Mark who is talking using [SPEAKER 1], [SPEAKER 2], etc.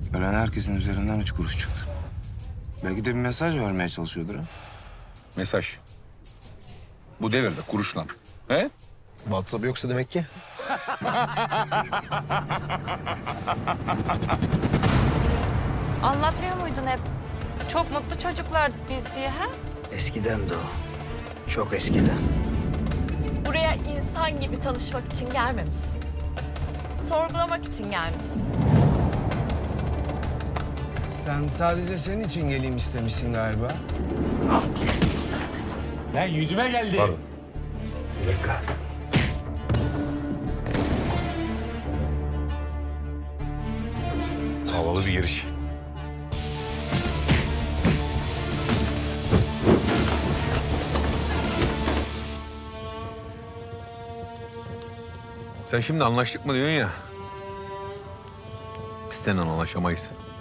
[SPEAKER 1] Ölen herkesin üzerinden 3 kuruş çıktı. Belki de bir mesaj vermeye çalışıyordur ha.
[SPEAKER 2] Mesaj. Bu devirde kuruşla. He?
[SPEAKER 3] WhatsApp yoksa demek ki.
[SPEAKER 4] Anlatmıyor muydun hep? Çok mutlu çocuklardık biz diye ha?
[SPEAKER 3] Eskiden de o. Çok eskiden.
[SPEAKER 5] Buraya insan gibi tanışmak için gelmemişsin. Sorgulamak için gelmişsin.
[SPEAKER 6] Sen sadece senin için geleyim istemişsin galiba.
[SPEAKER 7] Lan yüzüme geldi.
[SPEAKER 2] Pardon.
[SPEAKER 7] Bir dakika.
[SPEAKER 2] Havalı bir giriş. Sen şimdi anlaştık mı diyorsun ya. Biz seninle anlaşamayız.